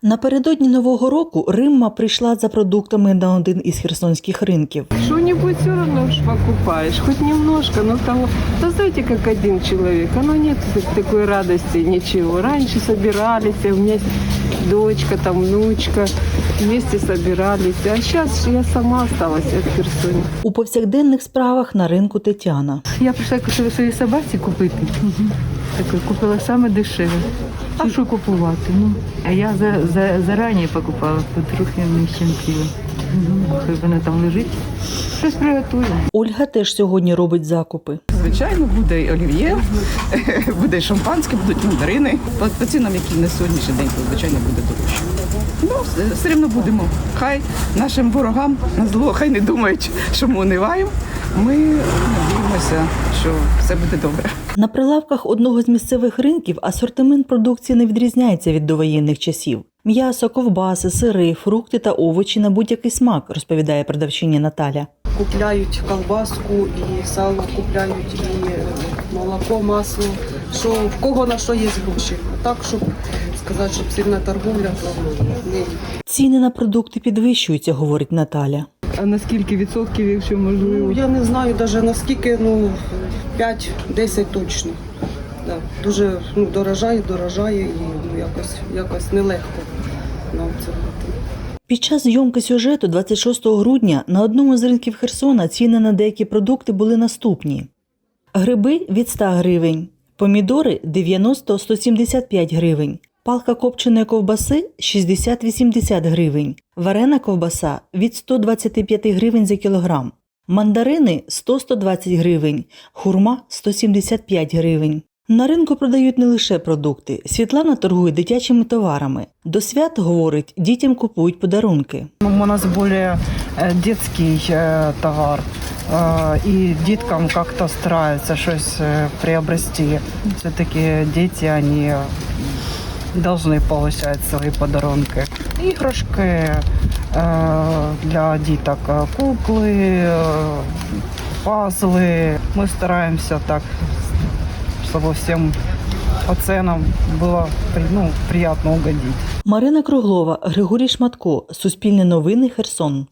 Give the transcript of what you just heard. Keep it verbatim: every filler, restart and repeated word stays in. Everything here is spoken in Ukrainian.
Напередодні Нового року Римма прийшла за продуктами на один із херсонських ринків. Что-нибудь все равно ж покупаешь, хоть немножко, но того. Да знаете, как один человек, оно нет такой радости, ничего. Раньше собирались, у меня есть дочка, там внучка, вместе собирались. А сейчас я сама осталась в Херсоне. У повсякденних справах на ринку Тетяна. Я прийшла своїй собаці купити. Так, купила саме дешеве. А що купувати? Ну, а я за, за, зарані покупала, потрохи не щемтіло. Хай вона там лежить. Щось приготую. Ольга теж сьогодні робить закупи. Звичайно, буде і олів'є, буде і шампанське, будуть мандарини. По, по цінам, які на сьогоднішній день, то, звичайно, буде дорожче. Ну, все рівно будемо. Хай нашим ворогам на зло, хай не думають, що ми униваємо. Ми надіємося, що все буде добре. На прилавках одного з місцевих ринків асортимент продукції не відрізняється від довоєнних часів. М'ясо, ковбаси, сири, фрукти та овочі на будь-який смак, розповідає продавчиня Наталя. Купляють колбаску і сало, купляють і молоко, масло, що в кого на що є гроші. А так, щоб сказати, щоб сильна торговля, то ні. Ціни на продукти підвищуються, говорить Наталя. А на скільки відсотків, якщо можливо? Ну, я не знаю навіть наскільки, ну, п'ять-десять точно. Да. Дуже ну, дорожає, дорожає і ну, якось, якось нелегко нам це робити. Під час зйомки сюжету двадцять шостого грудня на одному з ринків Херсона ціни на деякі продукти були наступні. Гриби – від ста гривень, помідори – дев'яносто - сто сімдесят п'ять гривень, палка копченої ковбаси – шістдесят - вісімдесят гривень, варена ковбаса – від ста двадцяти п'яти гривень за кілограм, мандарини – сто - сто двадцять гривень, хурма – сто сімдесят п'ять гривень. На ринку продають не лише продукти. Світлана торгує дитячими товарами. До свят, говорить, дітям купують подарунки. У нас более детский товар, и деткам как-то стараются что-то приобрести. Все-таки дети, они должны получать свои подарунки. Игрушки для деток, куклы, пазлы. Мы стараемся так, чтобы всем по ценам было ну, приятно угодить. Марина Круглова, Григорій Шматко. Суспільне новини, Херсон.